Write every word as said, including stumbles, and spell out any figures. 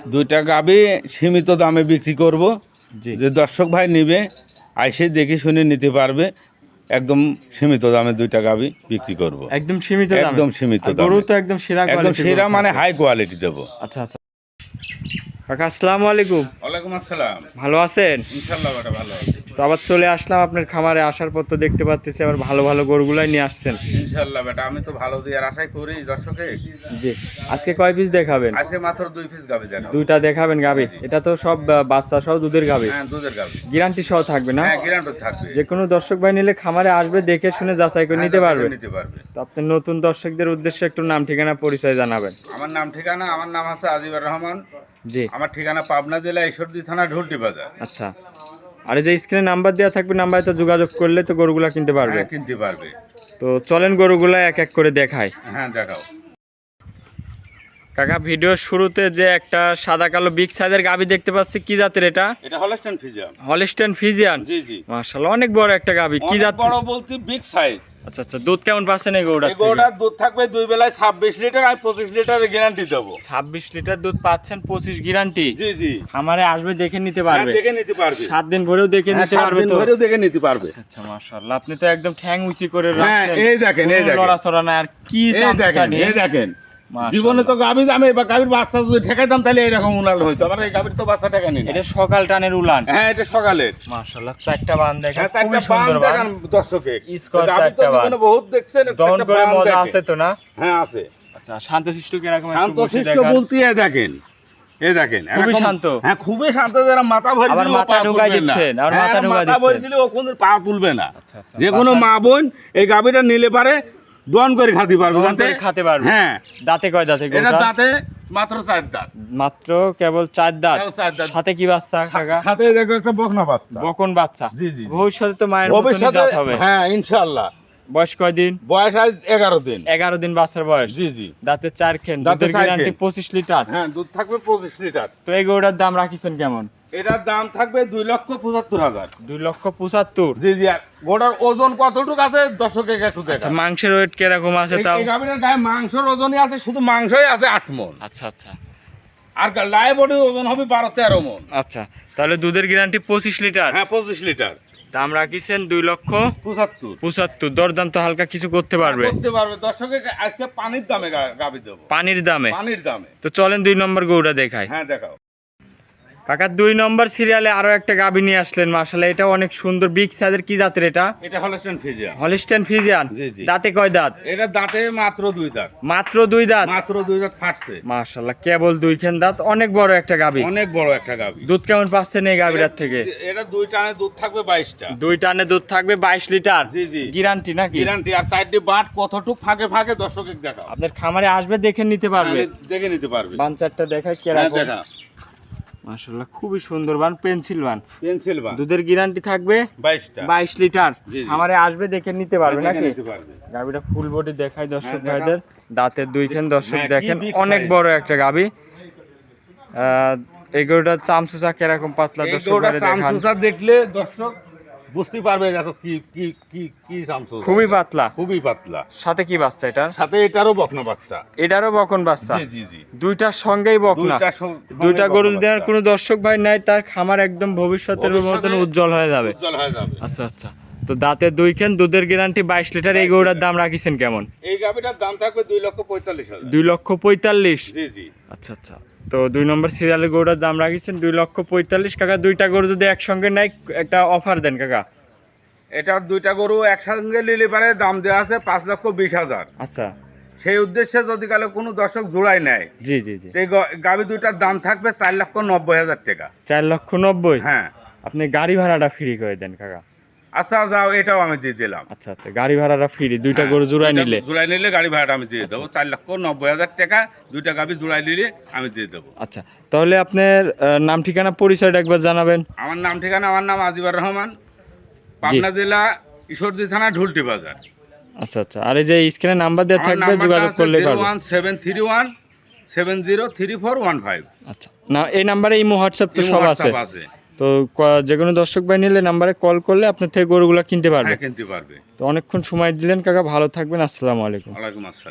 দুইটা গাবি সীমিত দামে বিক্রি করব, যে দর্শক ভাই নিবে আইসে দেখে শুনে নিতে পারবে। একদম সীমিত দামে দুইটা গাবি বিক্রি করব, একদম সীমিত দামে, একদম সীমিত দামে। গরু তো একদম সেরা একদম কোয়ালিটি, সেরা মানে হাই কোয়ালিটি দেব। আচ্ছা আচ্ছা কাকা, আসসালামু আলাইকুম। ওয়ালাইকুম আসসালাম। ভালো আছেন? ইনশাআল্লাহ বেটা ভালো আছি। তো আবার চলে আসলাম আপনার খামারে, আসার পর তো দেখতে পাচ্ছি আবার ভালো ভালো গরুগুলাই নিয়ে আসছেন। ইনশাআল্লাহ বেটা, আমি তো ভালো দেওয়ার আশাই করি দর্শকে। জি, আজকে কয় পিস দেখাবেন? আজকে মাত্র দুই পিস গাবি দেখাবো। দুইটা দেখাবেন গাবি? এটা তো সব আহ, বাচ্চা সহ দুধের গাবি? হ্যাঁ, দুধের গাবি, গ্যারান্টি সহ থাকবে না? হ্যাঁ গ্যারান্টি থাকবে। যে কোনো দর্শক ভাই নিলে খামারে আসবে, দেখে শুনে যাচাই করে হ্যাঁ, নিতে যাচাই পারবে। করে নিতে পারবে। তো আপনি নতুন দর্শকদের উদ্দেশ্যে একটু নাম ঠিকানা পরিচয় জানাবেন। আমার নাম ঠিকানা, আমার নাম আছে আজিবুর রহমান। জি, আমার ঠিকানা পাবনা জেলা ঈশ্বরদী থানা ঢুলটি বাজার। আচ্ছা। আর এই যে স্ক্রিনে নাম্বার দেওয়া থাকবে, নাম্বারে তো যোগাযোগ করলে তো গরুগুলা কিনতে পারবে। হ্যাঁ, কিনতে পারবে। তো চলেন গরুগুলা এক এক করে দেখায়। হ্যাঁ দেখাও। কাকা, ভিডিওর শুরুতে যে একটা সাদা কালো বিগ সাইজের গাভী দেখতে পাচ্ছি, কি জাতের এটা? এটা হলস্টাইন ফ্রিজিয়ান। Holstein Friesian? জি জি, মাশাআল্লাহ, অনেক বড় একটা গাভী। কি জাত? বড় বলতে বিগ সাইজ। আচ্ছা আচ্ছা, দুধ কেমন পাচ্ছেন এই গরুটা? এই গরুটার দুধ থাকবে দুই বেলায় ছাব্বিশ লিটার, আমি পঁচিশ লিটারের গ্যারান্টি দেবো। ছাব্বিশ লিটার দুধ পাচ্ছেন, পঁচিশ গ্যারান্টি? জি জি, খামারে আসবে দেখে নিতে হ্যাঁ, পারবে? দেখে নিতে পারবে। সাত দিন ভরেও দেখে নিতে পারবে তো? ধরেও দেখে নিতে পারবে। আচ্ছা আচ্ছা, মাশাআল্লাহ, আপনি তো একদম ঠ্যাং উঁচি করে হ্যাঁ, রাখছেন। এই দেখেন, এই দেখেন, লড়াচড়া না আর কি এই চামচা দেখেন, নিয়ে। এই দেখেন। মাশাআল্লাহ। জীবনে তো গাভীর দামে বা গাভীর বাচ্চা যদি ঠেকাইতাম তাহলে এরকম উনাল হইতো। আমার এই গাভীর তো বাচ্চা ঠেকানি না। এটা সকাল টানের উলান? হ্যাঁ, এটা সকালের। মাশাআল্লাহ, চারটা বান দেখেন, হ্যাঁ, চারটা খুবই বান সুন্দর বান। দেখান দর্শকে। স্কোয়ার গাভী তো চারটা বান। জীবনে বহুত দেখছেন, দহন চারটা করে বান মজা দেখেন। আছে তো না? হ্যাঁ আছে। আচ্ছা, শান্তশিষ্ট কিরকম? শান্তশিষ্ট বলতে এই দেখেন, এই দেখেন, খুবই এরকম- শান্ত। হ্যাঁ, খুবই শান্ত। যারা মাথা ভরে আবার দিলেও মাথা পা ঢুকাই তুলবে না। দিচ্ছেন, আবার হ্যাঁ, মাথা ঢুকাই মাথা ভরে দিচ্ছেন। দিলেও কোনো পা তুলবে না। আচ্ছা আচ্ছা, যে কোনো বাসার- মা বোন এই গাভীটা নিলে পারে দোয়ান করে খাতে পারবে। দহন জানতে? করে খেতে পারবে। হ্যাঁ, দাঁতে কয় দাঁতে এটা গরুটা? দাঁতে মাত্র চার দাঁত। মাত্র কেবল চার দাঁত? কেবল চার দাঁত। সাথে কি বাচ্চা কাকা? সাথে দেখো একটা বকনা বাচ্চা। বকন বাচ্চা? জি জি জি। ভবিষ্যতে তো মায়ের মতনই ভবিষ্যতে জাত হবে। হ্যাঁ ইনশাআল্লাহ। বয়স কয় দিন? বয়স আজ এগারো দিন। এগারো দিন বাচ্চার বয়স? জি জি, দাঁতে চার খেন, দাঁতে দুধের চার গ্যারান্টি খেন। পঁচিশ লিটার? হ্যাঁ, দুধ থাকবে পঁচিশ লিটার। তো এই গরুটার দাম রাখিছেন কেমন? এটার দাম থাকবে দুই লক্ষ পঁচাত্তর হাজার। দুই লক্ষ পঁচাত্তর? জি জি। আর গোটার ওজন কতটুকু আছে দর্শকের একটু আচ্ছা, দেখা। মাংসের ওয়েট কিরকম আছে তাও? এই গাভীটার গায়ে মাংসের ওজনই আছে, শুধু মাংসই আছে আট মণ। আচ্ছা আচ্ছা আর লাইভ বডির ওজন হবে বারো তেরো মণ। আচ্ছা, তাহলে দুধের গ্যারান্টি পঁচিশ লিটার? হ্যাঁ, পঁচিশ লিটার। দাম রাখিছেন দুই লক্ষ পঁচাত্তর। পঁচাত্তর। দরদাম তো হালকা কিছু করতে পারবে? করতে পারবে। দর্শকে আজকে পানির দামে গা- গাভী দেবো। পানির দামে? পানির দামে। তো চলেন দুই নম্বর গরুটা দেখাই। হ্যাঁ দেখাও। কাকা, দুই নম্বর সিরিয়ালে আরো একটা গাভী নিয়ে আসলেন, মাশাআল্লাহ, এটা অনেক সুন্দর বিগ সাইজের। কি জাতের এটা? এটা হলস্টাইন ফ্রিজিয়ান। Holstein Friesian? জি, জি। দাঁতে কয় দাঁত? এটা দাঁতে মাত্র দুই দাঁত। মাত্র দুই দাঁত? মাত্র দুই দাঁত ফাটছে। মাশাআল্লাহ, কেবল দুইখান দাঁত, অনেক বড় একটা গাভী। অনেক বড় একটা গাভী। দুধ কেমন পাচ্ছেন এই গাভীটার থেকে? এটা দুই টানে দুধ থাকবে বাইশটা। দুই টানে দুধ থাকবে বাইশ লিটার? জি জি, গ্যারান্টি নাকি? গ্যারান্টি। আর চারটি বাট কতটুক ফাঁকে ফাঁকে দর্শকের দেখাও। আপনার খামারে আসবে দেখে নিতে পারবে? হ্যাঁ, দেখে নিতে পারবে। বান চারটা দেখায় হ্যাঁ কেরকম? দেখা। মাশাআল্লাহ, খুবই সুন্দর বান, পেন্সিল বান। পেন্সিল বান। দুধের গ্যারান্টি থাকবে বাইশটা। বাইশ লিটার? জি, জি। খামারে আসবে দেখে নিতে পারবে দেখে নাকি? নিতে পারবে। গাভীটা ফুল বডি দেখায় দর্শক হ্যাঁ, দেখাও। ভাইদের। দাঁতের দুইখান দর্শক হ্যাঁ, কি দেখেন, big অনেক size। বড় একটা গাভী। আহ, এই গরুটার চামচুচা কিরকম পাতলা এই দর্শক গরুটা ভাইদের দেখান। চামচুচা দেখলে দর্শক বুঝতে পারবে দেখো কি কি কি কি চামচুচা। খুবই পাতলা। খুবই পাতলা। সাথে কি বাচ্চা এটা? সাথে এটারও বকনা বাচ্চা। এটারও বকন বাচ্চা? জি জি জি। দুইটার সঙ্গেই বকনা? দুইটার সঙ্গে দুইটা বকনা গরু যদি আর বাচ্চা। কোনো দর্শক ভাই নাই, তার খামার একদম ভবিষ্যতের মতন ভবিষ্যতে উজ্জ্বল হয়ে যাবে। উজ্জ্বল হয়ে যাবে। আচ্ছা আচ্ছা, তো দাঁতের দুইখান, দুধের গ্যারান্টি বাইশ লিটার। এই গরুটার দাম রাখিছেন কেমন? এই গাভীটার দাম থাকবে দুই লক্ষ পঁয়তাল্লিশ হাজার। দুই লক্ষ পঁয়তাল্লিশ? জি জি। আচ্ছা আচ্ছা, তো দুই নম্বর সিরিয়ালের গরুটার দাম রাখিছেন দুই লক্ষ পঁয়তাল্লিশ। কাকা, দুইটা গরু যদি একসঙ্গে নেয় একটা অফার দেন কাকা। এটা দুইটা গরু একসঙ্গে নিলে পারে দাম দেওয়া আছে পাঁচ লক্ষ বিশ হাজার। আচ্ছা, সেই উদ্দেশ্যে যদি কালে কোনো দর্শক জোড়াই নেয়, জি জি জি, এই গ- গাভী দুইটার দাম থাকবে চার লক্ষ নব্বই হাজার টাকা। চার লক্ষ নব্বই? হ্যাঁ। আপনি গাড়ি ভাড়াটা ফ্রি করে দেন কাকা। আচ্ছা যাও, এটাও আমি দিয়ে দিলাম। আচ্ছা আচ্ছা, গাড়ি ভাড়াটা ফ্রি দুইটা হ্যাঁ, গরু জোড়ায় দুইটা নিলে? জোড়াই নিলে গাড়ি ভাড়াটা আমি দিয়ে দেবো চার লক্ষ নব্বই হাজার টাকা। দুইটা গাভী জোড়াই নিলে আমি দিয়ে দেবো। আচ্ছা, তাহলে আপনার আহ, নাম ঠিকানা পরিচয়টা একবার জানাবেন। আমার নাম ঠিকানা, আমার নাম আজিবুর রহমান, পাবনা জেলা ঈশ্বরদী থানা ঢুলটি বাজার। আচ্ছা আচ্ছা, আর এই যে স্ক্রিনে নাম্বার দেওয়া থাকবে, যোগাযোগ করলে পারবে। One seven three one seven zero three four one five. আচ্ছা, না এই নাম্বারে ইমো হোয়াটসঅ্যাপ তো সব আছে? আছে। তো ক- যে কোনো দর্শক ভাই নিলে নাম্বারে কল করলে আপনার থেকে গরুগুলা কিনতে পারবে। হ্যাঁ, কিনতে পারবে। তো অনেকক্ষণ সময় দিলেন কাকা, ভালো থাকবেন, আসসালামু আলাইকুম। ওয়ালাইকুম আসসালাম।